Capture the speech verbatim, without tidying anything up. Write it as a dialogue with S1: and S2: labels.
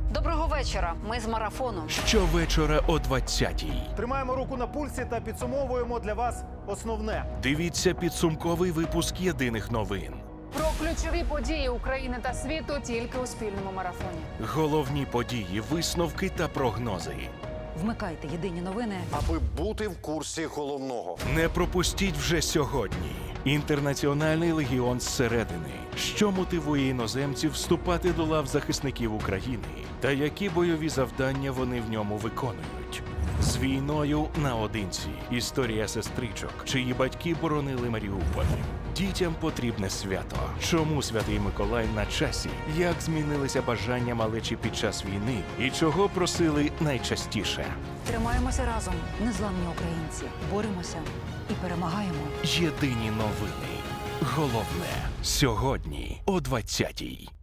S1: Доброго вечора. Ми з марафону.
S2: Щовечора о двадцятій.
S3: Тримаємо руку на пульсі та підсумовуємо для вас основне.
S2: Дивіться підсумковий випуск єдиних новин.
S4: Про ключові події України та світу тільки у спільному марафоні.
S2: Головні події, висновки та прогнози.
S1: Вмикайте єдині новини.
S5: Аби бути в курсі головного.
S2: Не пропустіть вже сьогодні. Інтернаціональний легіон зсередини. Що мотивує іноземців вступати до лав захисників України? Та які бойові завдання вони в ньому виконують? З війною наодинці. Історія сестричок, чиї батьки боронили Маріуполь. Дітям потрібне свято. Чому Святий Миколай на часі? Як змінилися бажання малечі під час війни? І чого просили найчастіше?
S1: Тримаємося разом. Незламні українці. Боремося і перемагаємо.
S2: Єдині новини. Головне сьогодні о двадцятій.